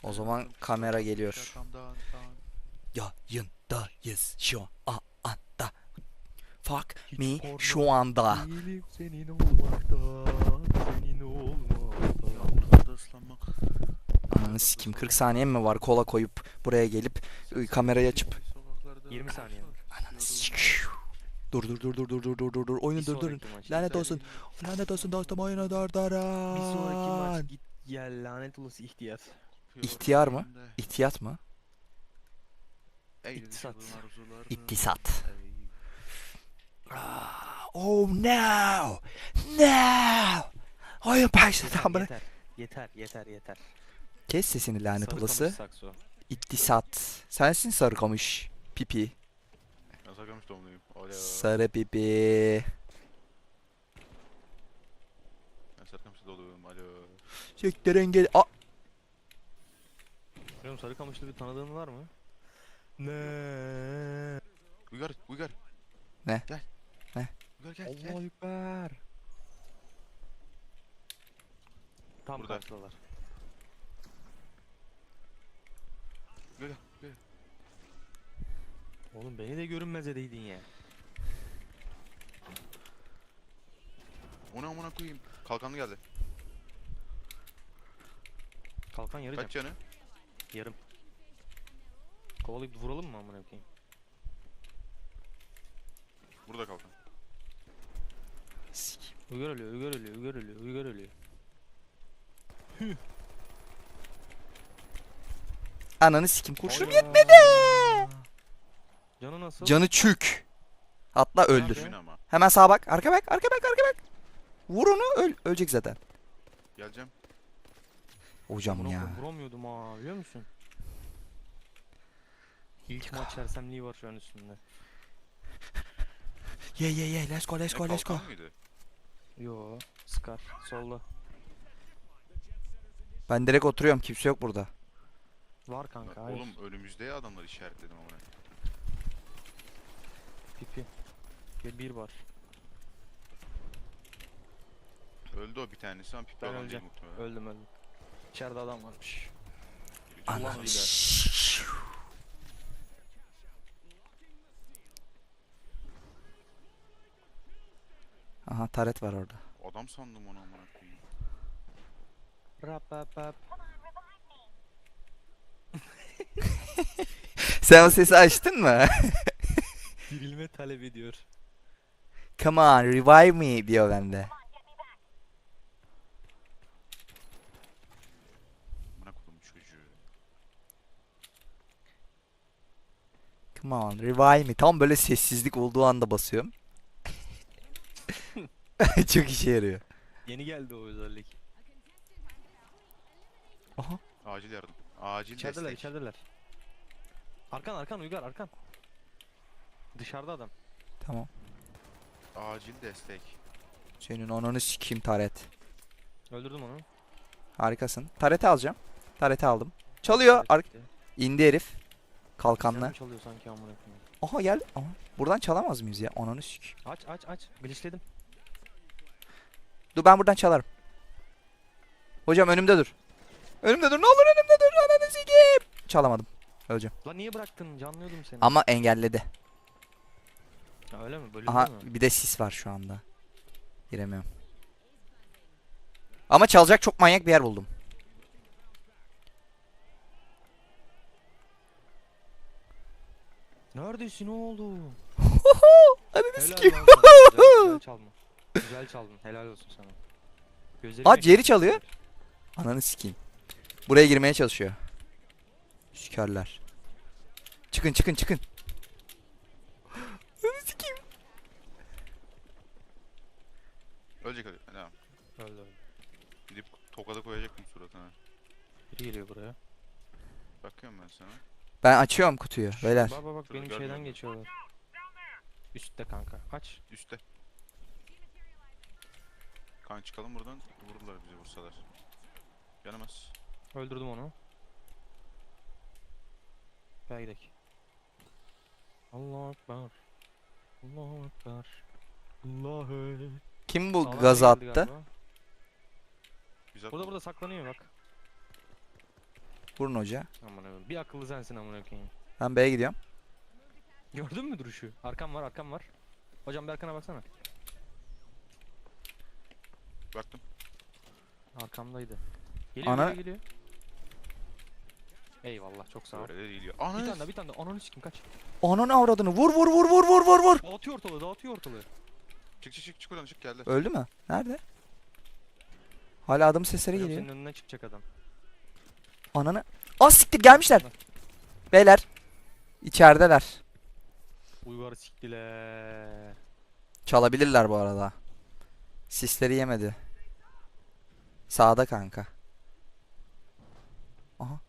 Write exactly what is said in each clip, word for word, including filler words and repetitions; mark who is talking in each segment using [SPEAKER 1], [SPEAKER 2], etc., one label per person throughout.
[SPEAKER 1] O zaman kamera geliyor. Yayındayız şu anda. Fuck me şu anda.
[SPEAKER 2] Değilim senin olmaktan, senin olmaktan.
[SPEAKER 3] Yağmurda ıslanmak.
[SPEAKER 1] Ananı sikim, kırk saniyem mi var kola koyup buraya gelip ıı, kamerayı açıp
[SPEAKER 3] Sokaklarda
[SPEAKER 2] yirmi saniye.
[SPEAKER 1] ananı sikiu. Dur dur dur dur dur dur dur dur dur oyunu
[SPEAKER 2] Bir
[SPEAKER 1] durdurun.
[SPEAKER 2] sonraki maç.
[SPEAKER 1] Lanet olsun. Lanet olsun dostum, oyunu
[SPEAKER 2] Bir sonraki
[SPEAKER 1] durdurun.
[SPEAKER 2] maç git gel lanet olası ihtiyar.
[SPEAKER 1] İhtiyar mı? İhtiyat mı?
[SPEAKER 2] İktisat.
[SPEAKER 1] İktisat. Oh no. No. Oyun başladı
[SPEAKER 2] Yeter,
[SPEAKER 1] amına.
[SPEAKER 2] yeter, yeter, yeter, yeter.
[SPEAKER 1] Kes sesini lanet
[SPEAKER 2] Sarı
[SPEAKER 1] olası.
[SPEAKER 2] kamış sakso.
[SPEAKER 1] İktisat. Sensin sarı kamış. Pipi.
[SPEAKER 3] Ben Sarıkamış doğumluyum. Alo.
[SPEAKER 1] Sarı pipi.
[SPEAKER 3] Ben Sarıkamış'ta doğdum. Alo.
[SPEAKER 1] Siktirin gel. Aa.
[SPEAKER 2] Bilmiyorum, sarı kamışlı bir tanıdığın var mı? Ne?
[SPEAKER 3] Uygar, Uygar.
[SPEAKER 1] Ne?
[SPEAKER 3] Gel.
[SPEAKER 1] Ne?
[SPEAKER 3] Uygar gel,
[SPEAKER 2] Allah
[SPEAKER 3] gel.
[SPEAKER 2] ekber. Tam
[SPEAKER 3] Burada.
[SPEAKER 2] karşıdalar.
[SPEAKER 3] Gel, gel.
[SPEAKER 2] Oğlum beni de görünmez edeydin ya.
[SPEAKER 3] Ona amına koyayım. Kalkanlı geldi.
[SPEAKER 2] Kalkan yarı
[SPEAKER 3] Kaç
[SPEAKER 2] can.
[SPEAKER 3] canı?
[SPEAKER 2] Yarım. Kovalayıp vuralım mı amına koyayım?
[SPEAKER 3] Burada kalkan.
[SPEAKER 2] Uygar ölüyor, Uygar ölüyor, Uygar ölüyor, Uygar ölüyor.
[SPEAKER 1] Ananı sikim, kurşunum
[SPEAKER 2] Hayda.
[SPEAKER 1] yetmedi.
[SPEAKER 2] Canı nasıl?
[SPEAKER 1] Canı çük. Hatta öldür.
[SPEAKER 2] Nerede?
[SPEAKER 3] Oyun ama.
[SPEAKER 1] Hemen sağa bak. Arka bak. Arka bak. Arka bak. Vur onu. Öl. Ölecek zaten.
[SPEAKER 3] Geleceğim.
[SPEAKER 1] Hocam
[SPEAKER 2] Amına
[SPEAKER 1] ya.
[SPEAKER 2] koyayım, vuramıyordum ha, biliyor musun? İlk maç sersemliği var şu an üstünde.
[SPEAKER 1] Ye ye ye. Let's go. Let's
[SPEAKER 3] Ne,
[SPEAKER 1] go. Let's go.
[SPEAKER 3] kalkan mıydı?
[SPEAKER 2] Yo, Scar solda.
[SPEAKER 1] Ben direkt oturuyorum. Kimse yok burada.
[SPEAKER 2] Var kanka, hayır.
[SPEAKER 3] Oğlum önümüzde ya adamlar işaretledim ama.
[SPEAKER 2] Pipi. Bir, bir var.
[SPEAKER 3] Öldü o bir tanesi ama pipi
[SPEAKER 2] Ben
[SPEAKER 3] olan değil
[SPEAKER 2] öleceğim.
[SPEAKER 3] muhtemelen.
[SPEAKER 2] Öldüm öldüm. İçeride adam varmış.
[SPEAKER 3] Ulan
[SPEAKER 1] Ananı
[SPEAKER 3] öyle.
[SPEAKER 1] s- Aha, taret var orada.
[SPEAKER 3] Adam sandım onu amına koyayım.
[SPEAKER 2] Rap rap rap.
[SPEAKER 1] Sen o sesi açtın mı?
[SPEAKER 2] Dirilme talep ediyor.
[SPEAKER 1] Come on, revive me diyor bende.
[SPEAKER 3] Amına koydum çocuğu.
[SPEAKER 1] Come on, revive me. Tam böyle sessizlik olduğu anda basıyorum. Çok işe yarıyor.
[SPEAKER 2] Yeni geldi o özellik.
[SPEAKER 1] Aha.
[SPEAKER 3] Acil yardım. Acil
[SPEAKER 2] İçerideler,
[SPEAKER 3] destek.
[SPEAKER 2] içerideler. Arkan arkan Uygar arkan. Dışarıda adam.
[SPEAKER 1] Tamam.
[SPEAKER 3] Acil destek.
[SPEAKER 1] Senin ananı sikeyim taret.
[SPEAKER 2] Öldürdüm onu.
[SPEAKER 1] Harikasın. Tareti alacağım. Tareti aldım. Çalıyor. Ar
[SPEAKER 2] Gitti.
[SPEAKER 1] indi herif.
[SPEAKER 2] Bizden
[SPEAKER 1] Kalkanla.
[SPEAKER 2] mi çalıyor sanki amına koyayım?
[SPEAKER 1] Aha geldi. Aha. Buradan çalamaz mıyız ya? Ananı sikeyim.
[SPEAKER 2] Aç aç aç. Glitchledim.
[SPEAKER 1] Dur, ben buradan çalarım. Hocam önümde dur. Önümde dur. Ne olur önümde dur. Ananı sikeyim. Çalamadım. Öleceğim.
[SPEAKER 2] Lan niye bıraktın? Canlıyordum seni.
[SPEAKER 1] Ama engelledi.
[SPEAKER 2] Ha, öyle mi? Bölündü
[SPEAKER 1] Aha,
[SPEAKER 2] mü?
[SPEAKER 1] bir de sis var şu anda. Giremiyorum. Ama çalacak çok manyak bir yer buldum.
[SPEAKER 2] Neredesin oğlum?
[SPEAKER 1] Ananı
[SPEAKER 2] Helal
[SPEAKER 1] sikeyim.
[SPEAKER 2] lan sana. Güzel, güzel çalma. Güzel çaldın. Helal olsun sana. Gözlerim
[SPEAKER 1] Aa,
[SPEAKER 2] yaşardı.
[SPEAKER 1] ciğeri çalıyor. Ananı sikeyim. Buraya girmeye çalışıyor. Sikerler. Çıkın çıkın çıkın. Ananı sikeyim.
[SPEAKER 3] Ölecek öyle. Tamam.
[SPEAKER 2] Öldü öldü.
[SPEAKER 3] Gidip tokada koyacaktım suratına.
[SPEAKER 2] Biri geliyor buraya.
[SPEAKER 3] Bakıyorum ben sana.
[SPEAKER 1] Ben açıyorum kutuyu. Beyler.
[SPEAKER 2] Bak bak bak
[SPEAKER 3] Şurada
[SPEAKER 2] benim
[SPEAKER 3] gördüm
[SPEAKER 2] şeyden
[SPEAKER 3] onu.
[SPEAKER 2] geçiyorlar. Üstte kanka. Aç.
[SPEAKER 3] Üste. Kan çıkalım buradan. Vururlar bizi vursalar. Yanamaz.
[SPEAKER 2] Öldürdüm onu. Gel gidelim. Allahu Ekber. Allahu Ekber. Allahu.
[SPEAKER 1] Kim bu
[SPEAKER 2] Sağdan
[SPEAKER 1] gazı
[SPEAKER 2] biri geldi
[SPEAKER 1] attı?
[SPEAKER 2] galiba.
[SPEAKER 3] Biz
[SPEAKER 2] Burada
[SPEAKER 3] atmadık.
[SPEAKER 2] burada saklanıyor bak.
[SPEAKER 1] Vurun hoca.
[SPEAKER 2] Aman abi. Bir akıllı sensin amına koyayım.
[SPEAKER 1] Ben B'ye gidiyorum.
[SPEAKER 2] Gördün mü duruşu? Arkam var, arkam var. Hocam bir arkana baksana.
[SPEAKER 3] Baktım.
[SPEAKER 2] Arkamdaydı. Geliyor,
[SPEAKER 1] Ana-
[SPEAKER 2] geliyor, geliyor. Eyvallah, çok sağ ol.
[SPEAKER 3] Öyle de değil ya.
[SPEAKER 2] Bir
[SPEAKER 3] Ana.
[SPEAKER 2] tane daha, bir tane daha. Ananı sikim kaç.
[SPEAKER 1] Ananı avradını. Vur vur vur vur vur vur vur.
[SPEAKER 2] Dağıtıyor ortalığı, dağıtıyor ortalığı.
[SPEAKER 3] Çık çık çık çık oradan çık geldi.
[SPEAKER 1] Öldü mü? Nerede? Hala adım sesleri
[SPEAKER 2] Hocam
[SPEAKER 1] geliyor.
[SPEAKER 2] senin önüne çıkacak adam.
[SPEAKER 1] Ananı. Az siktir gelmişler. Beyler. İçerideler.
[SPEAKER 2] Uygarı siktiler.
[SPEAKER 1] Çalabilirler bu arada. Sisleri yemedi. Sağda kanka. Aha.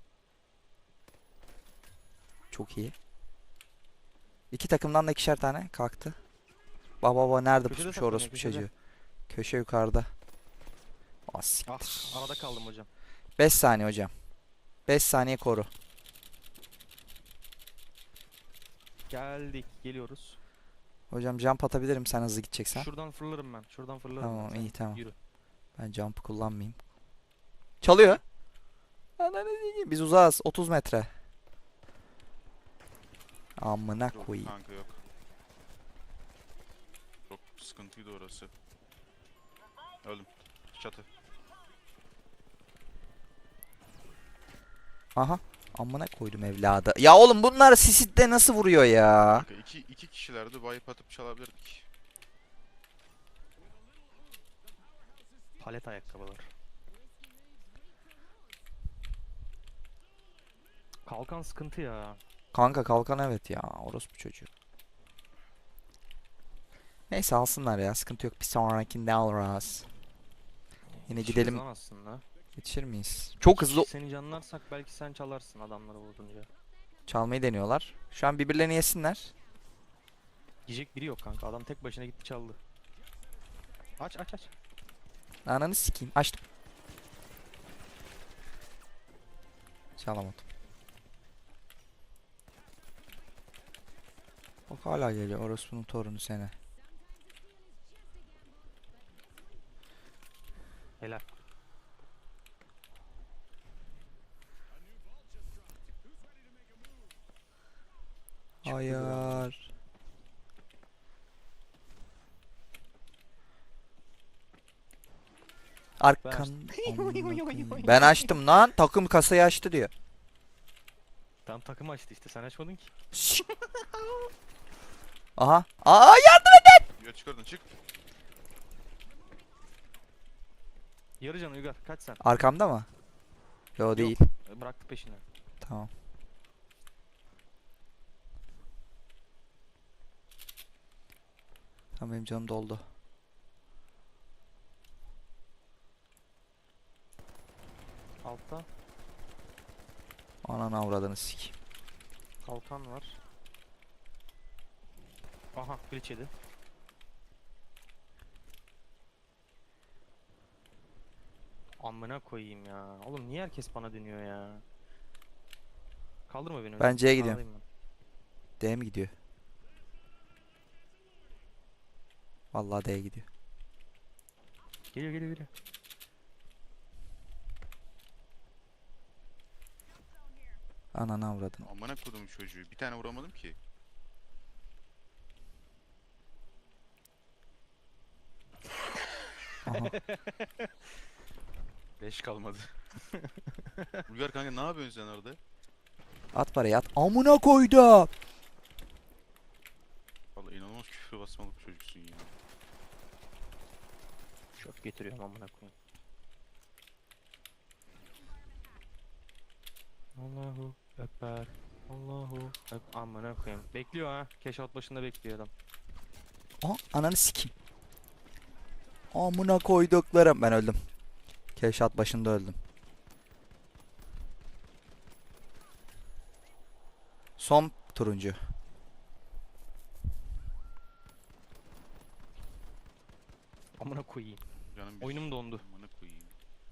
[SPEAKER 1] Çok iyi. İki takımdan da ikişer tane kalktı. Baba baba nerede
[SPEAKER 2] Köşede
[SPEAKER 1] pusmuş
[SPEAKER 2] saklanıyor,
[SPEAKER 1] orospu
[SPEAKER 2] köşede.
[SPEAKER 1] çocuğu. Köşe yukarıda. Ah
[SPEAKER 2] Ah,
[SPEAKER 1] siktir.
[SPEAKER 2] arada kaldım hocam.
[SPEAKER 1] beş saniye hocam. beş saniye koru.
[SPEAKER 2] Geldik, geliyoruz.
[SPEAKER 1] Hocam jump atabilirim sen hızlı gideceksen.
[SPEAKER 2] Şuradan fırlarım ben, şuradan fırlarım
[SPEAKER 1] Tamam
[SPEAKER 2] ben. Sen
[SPEAKER 1] iyi tamam.
[SPEAKER 2] Yürü.
[SPEAKER 1] Ben jump'ı kullanmayayım. Çalıyor. Ananı sikeyim. Biz uzağız. otuz metre. Amına
[SPEAKER 3] Yok
[SPEAKER 1] koyayım.
[SPEAKER 3] kanka yok. Çok sıkıntıydı orası. Öldüm. Çatı.
[SPEAKER 1] Aha. Amına koydum evladı. Ya oğlum bunlar sisitte nasıl vuruyor ya?
[SPEAKER 3] Kanka iki, iki kişilerdi wipe atıp çalabilirdik.
[SPEAKER 2] Palet ayakkabılar. Kalkan sıkıntı ya.
[SPEAKER 1] Kanka kalkan evet ya. Orospu çocuğu. Neyse alsınlar ya. Sıkıntı yok. Bir sonrakinde alırız. Yine
[SPEAKER 2] Yetişiriz
[SPEAKER 1] gidelim.
[SPEAKER 2] lan aslında.
[SPEAKER 1] Yetişir miyiz? Çok hızlı
[SPEAKER 2] Seni canlarsak belki sen çalarsın adamları vurdunca.
[SPEAKER 1] çalmayı deniyorlar. Şu an birbirlerini yesinler.
[SPEAKER 2] Yiyecek biri yok kanka. Adam tek başına gitti çaldı. Aç aç aç.
[SPEAKER 1] Ananı sikeyim. Açtım. Çalamadım. Bak hala geliyor. Orospu'nun torunu seni.
[SPEAKER 2] Helal.
[SPEAKER 1] Hayır. Arkan. Amına koyayım. Ben açtım lan. Takım kasayı açtı diyor.
[SPEAKER 2] Tam takım açtı işte. Sen açmadın ki.
[SPEAKER 1] Şşt. Aha. Aa ya.
[SPEAKER 3] Ya çık oradan çık.
[SPEAKER 2] Yarıcan Uygar kaç sen?
[SPEAKER 1] Arkamda mı? Yo değil.
[SPEAKER 2] E, Bıraktı peşine.
[SPEAKER 1] Tamam. Tamam benim canım doldu.
[SPEAKER 2] Altta
[SPEAKER 1] Ananı avradını sikeyim.
[SPEAKER 2] kalkan var. Aha glitch yedi. Amına koyayım ya. Oğlum niye herkes bana dönüyor ya? Kaldırma beni.
[SPEAKER 1] Ben C'ye gidiyorum.
[SPEAKER 2] Ağlayayım
[SPEAKER 1] D'ye mi gidiyor? Vallahi D'ye gidiyor.
[SPEAKER 2] ben. Geliyor geliyor geliyor.
[SPEAKER 1] Ananı avradını.
[SPEAKER 3] Amına kodum çocuğu. Bir tane vuramadım ki.
[SPEAKER 1] Aha.
[SPEAKER 3] Leş kalmadı. Uygar kanka ne yapıyorsun sen orada?
[SPEAKER 1] At parayı at. Amına koydu.
[SPEAKER 3] Vallahi inanılmaz küfür basmalı bir çocuksun ya.
[SPEAKER 2] Şok getiriyorum amına koyayım. Allahu Ekber. Allahu Ekber. Amına koyayım. Bekliyor ha. Keşfat başında bekliyor adam.
[SPEAKER 1] Aha ananı sikeyim. Amına koyduklarım. Ben öldüm. Keşat başında öldüm. Son turuncu.
[SPEAKER 2] Amına koyayım.
[SPEAKER 3] Canım bir
[SPEAKER 2] Oyunum dondu.
[SPEAKER 3] Amına koyayım.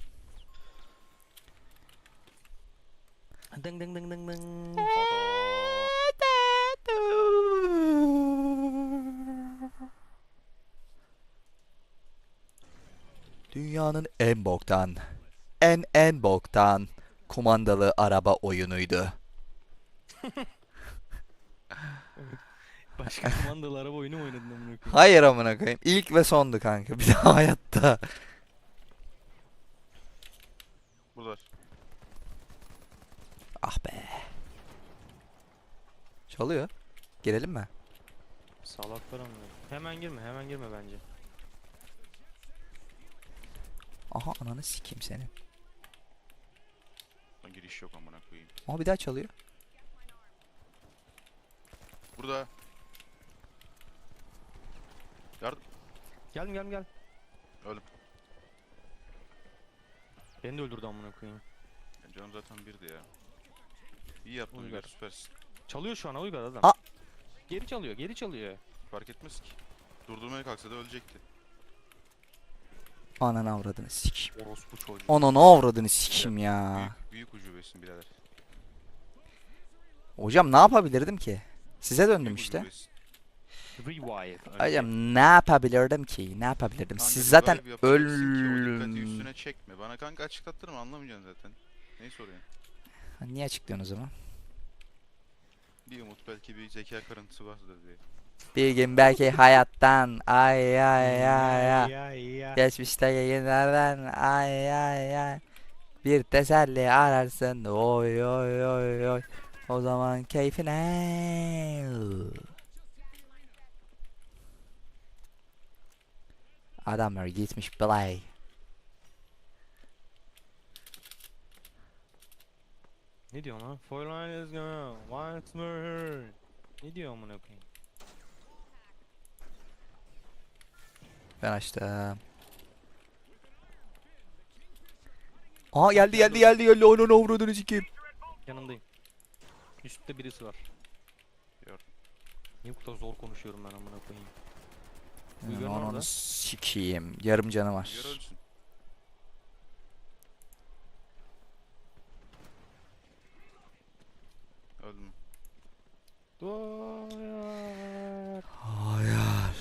[SPEAKER 2] Ding ding ding ding ding.
[SPEAKER 1] Dünyanın en boktan, en en boktan, kumandalı araba oyunuydu.
[SPEAKER 2] Başka kumandalı araba oyunu mu oynadın amına koyayım?
[SPEAKER 1] Hayır amına koyayım. İlk ve sondu kanka. Bir daha hayatta.
[SPEAKER 3] Buradalar.
[SPEAKER 1] Ah be. Çalıyor. Girelim mi?
[SPEAKER 2] Salaklar amına koyayım. Hemen girme, hemen girme bence.
[SPEAKER 1] Aha ananı sikeyim seni.
[SPEAKER 3] Lan giriş yok amına koyayım.
[SPEAKER 1] Ama bir daha çalıyor.
[SPEAKER 3] Burada. Yardım.
[SPEAKER 2] Gel gel gel.
[SPEAKER 3] Öldüm.
[SPEAKER 2] Beni de öldürdü amına koyayım.
[SPEAKER 3] Ya canım zaten birdi ya. İyi yaptın
[SPEAKER 2] Uygar.
[SPEAKER 3] Uygar, süpersin.
[SPEAKER 2] Çalıyor şu an Uygar adam.
[SPEAKER 1] Aa!
[SPEAKER 2] Geri çalıyor, geri çalıyor.
[SPEAKER 3] Fark etmez ki. Durdurmaya kalksa da ölecekti.
[SPEAKER 1] Ananı avradını sikeyim.
[SPEAKER 3] Orospu çocuğu.
[SPEAKER 1] Ananı avradını sikeyim ya.
[SPEAKER 3] Büyük, büyük ucubesin birader.
[SPEAKER 1] Hocam ne yapabilirdim ki? Size döndüm
[SPEAKER 3] Büyük
[SPEAKER 1] işte.
[SPEAKER 3] ucubesin.
[SPEAKER 2] Revive.
[SPEAKER 1] Hocam ne yapabilirdim ki? Ne yapabilirdim?
[SPEAKER 3] Kanka,
[SPEAKER 1] Siz zaten
[SPEAKER 3] revive yapacaksın ki o dikkati
[SPEAKER 1] öl...
[SPEAKER 3] üstüne çekme. Bana kanka açıklattırma, anlamayacaksın zaten. Neyi soruyorsun?
[SPEAKER 1] Niye açıklıyorsun o zaman?
[SPEAKER 3] Bir umut, belki bir zeka kırıntısı vardır diye.
[SPEAKER 1] Bir gün belki hayattan ay ay ay ay.
[SPEAKER 2] Ya ya.
[SPEAKER 1] Geçmişte yayınlardan ay ay ay. Bir teselli ararsın oy oy oy oy. O zaman keyfine. Adamlar gitmiş play.
[SPEAKER 2] Ne diyor lan? Four line is gone. Once more. Ne diyor amına koyayım?
[SPEAKER 1] Ben açtım. Aa geldi geldi geldi geldi. Onun avradını sikeyim.
[SPEAKER 2] Yanındayım. Üstte birisi var.
[SPEAKER 3] Gördüm.
[SPEAKER 2] Niye bu kadar zor konuşuyorum ben amına koyayım?
[SPEAKER 1] Yani
[SPEAKER 2] Uygar'ın
[SPEAKER 1] onu
[SPEAKER 2] orada.
[SPEAKER 1] sikeyim. Yarım canı var.
[SPEAKER 3] Uygar ölsün. Öldüm.
[SPEAKER 2] Doyar.
[SPEAKER 1] Hayır.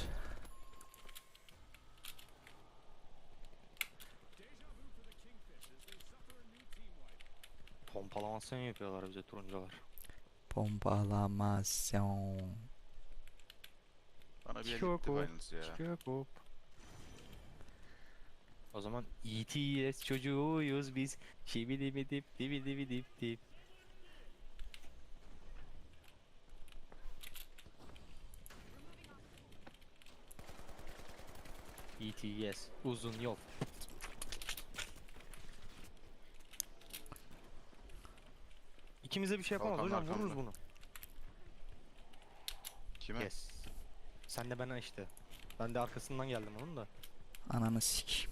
[SPEAKER 2] Pompalamasyon yapıyorlar bize turuncular.
[SPEAKER 1] Pompalamasyon.
[SPEAKER 3] Bana bir el
[SPEAKER 2] Çok
[SPEAKER 3] gitti
[SPEAKER 2] o.
[SPEAKER 3] Finals ya.
[SPEAKER 2] Çıkıyor hop. O zaman E T S çocuğuyuz biz. Şibidi bidip dibidi bidip dip. E T S uzun yol. İkimize bir şey yapamaz
[SPEAKER 3] Kalkan
[SPEAKER 2] hocam, vururuz
[SPEAKER 3] arkamda.
[SPEAKER 2] bunu.
[SPEAKER 3] Kime?
[SPEAKER 2] Yes. Sen de bana işte. Ben de arkasından geldim onun da.
[SPEAKER 1] Ananı sikeyim.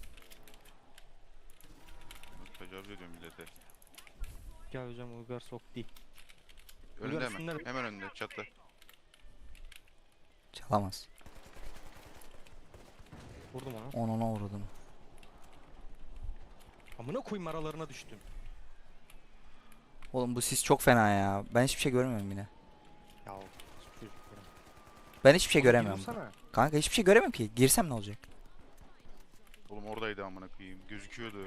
[SPEAKER 3] Tecavüz ediyorum millete.
[SPEAKER 2] Gel hocam Uygar sok değil.
[SPEAKER 3] Önünde
[SPEAKER 2] Uygar
[SPEAKER 3] hemen.
[SPEAKER 2] üstünde.
[SPEAKER 3] Hemen önünde çatla.
[SPEAKER 1] Çalamaz.
[SPEAKER 2] Vurdum onu.
[SPEAKER 1] Onuna uğradım.
[SPEAKER 2] Amına koyayım, aralarına düştüm.
[SPEAKER 1] Oğlum bu sis çok fena ya. Ben hiçbir şey görmüyorum yine.
[SPEAKER 2] Ya çocuklarım.
[SPEAKER 1] Ben hiçbir şey
[SPEAKER 2] Oğlum,
[SPEAKER 1] göremiyorum.
[SPEAKER 2] yürüsene.
[SPEAKER 1] Kanka hiçbir şey göremiyorum ki. Girsem ne olacak?
[SPEAKER 3] Oğlum oradaydı amına koyayım. Gözüküyordu.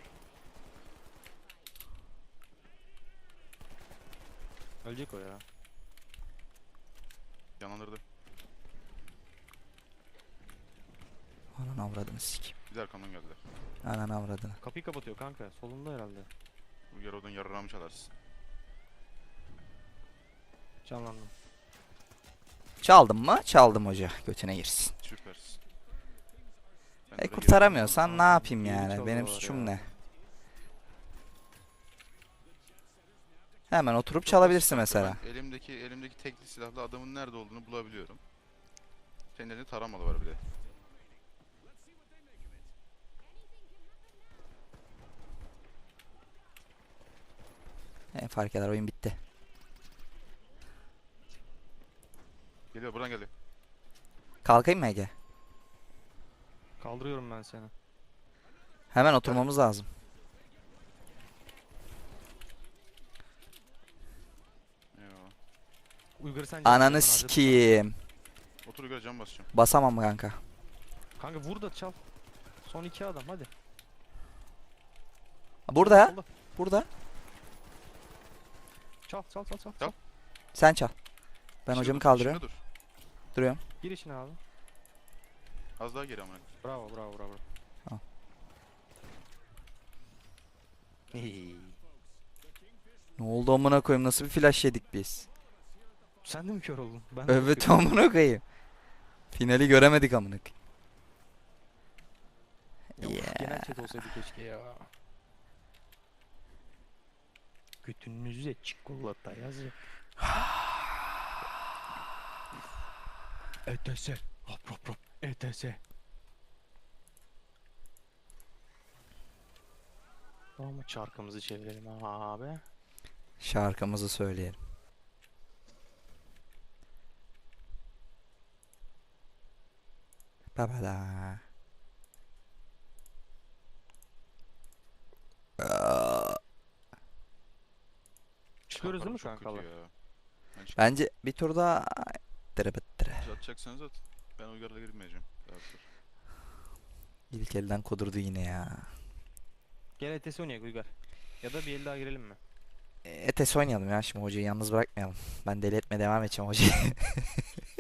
[SPEAKER 2] Ölecek o ya.
[SPEAKER 3] Yanlandırdı.
[SPEAKER 1] Ananı avradını sikeyim.
[SPEAKER 3] Bir de arkamdan geldiler.
[SPEAKER 1] Ananı avradını.
[SPEAKER 2] Kapıyı kapatıyor kanka. Solunda herhalde.
[SPEAKER 3] Uygar oradan yarrağımı çalarsın.
[SPEAKER 2] Canlandım.
[SPEAKER 1] Çaldım mı? Çaldım hoca. Götüne girsin.
[SPEAKER 3] Süpersin. Ben
[SPEAKER 1] E
[SPEAKER 3] oraya
[SPEAKER 1] kurtaramıyorsan ne
[SPEAKER 2] Kanka,
[SPEAKER 1] yapayım
[SPEAKER 2] geri
[SPEAKER 1] yani? Benim
[SPEAKER 2] çalıyorlar
[SPEAKER 1] suçum
[SPEAKER 2] ya.
[SPEAKER 1] ne? Hemen oturup
[SPEAKER 3] girdim.
[SPEAKER 1] çalabilirsin
[SPEAKER 3] Kanka,
[SPEAKER 1] mesela.
[SPEAKER 3] ben elimdeki elimdeki tekli silahla adamın nerede olduğunu bulabiliyorum. Senin elinde taramalı var bir de.
[SPEAKER 1] E, fark eder oyun bitti.
[SPEAKER 3] Geliyor, buradan geliyor.
[SPEAKER 1] Kalkayım mı Ege?
[SPEAKER 2] Kaldırıyorum ben seni.
[SPEAKER 1] Hemen oturmamız lazım.
[SPEAKER 3] Eyvallah.
[SPEAKER 2] Uygar'ı sen can
[SPEAKER 1] Ananı
[SPEAKER 2] ben harcadım
[SPEAKER 1] sikeyim.
[SPEAKER 3] Otur Uygar, cam basacağım.
[SPEAKER 1] Basamam kanka.
[SPEAKER 2] sana. Kanka vur da çal. Son iki adam hadi.
[SPEAKER 1] Burada.
[SPEAKER 2] Solda.
[SPEAKER 1] Burada.
[SPEAKER 2] Çal çal çal çal.
[SPEAKER 3] Çal.
[SPEAKER 1] Sen çal. Ben
[SPEAKER 3] İçinde
[SPEAKER 1] hocamı
[SPEAKER 3] dur,
[SPEAKER 1] kaldırıyorum.
[SPEAKER 3] içinde dur.
[SPEAKER 1] Duruyorum.
[SPEAKER 2] Gir içine abi.
[SPEAKER 3] Az daha geri amına.
[SPEAKER 2] Bravo bravo bravo.
[SPEAKER 1] Al.
[SPEAKER 2] Hey.
[SPEAKER 1] Ne oldu amına koyayım? Nasıl bir flash yedik biz?
[SPEAKER 2] Sen de mi kör oldun? Ben de
[SPEAKER 1] Evet
[SPEAKER 2] bakıyorum.
[SPEAKER 1] amına koyayım. Finali göremedik amına koyayım.
[SPEAKER 2] Ya, uf,
[SPEAKER 1] Yeah.
[SPEAKER 2] genel chat olsaydı keşke ya. Götünüze çikolata yazın. E T S. Hop hop hop. E T S. Ama çarkımızı çevirelim abi.
[SPEAKER 1] Şarkımızı söyleyelim. Babada.
[SPEAKER 2] Çıkıyoruz değil mi
[SPEAKER 3] Çarparım çok
[SPEAKER 2] kankalar?
[SPEAKER 3] kötü ya. Ben çık-
[SPEAKER 1] Bence bir tur daha tırı bıttırı.
[SPEAKER 3] Siz atacaksanız at. Ben Uygar'la girmeyeceğim. Daha sonra.
[SPEAKER 1] İlk elden kudurdu yine ya.
[SPEAKER 2] Gel E T S oynayalım Uygar. Ya da bir el daha girelim mi?
[SPEAKER 1] E, Etes oynayalım ya, şimdi hocayı yalnız bırakmayalım. Ben deli etmeye devam edeceğim hocayı.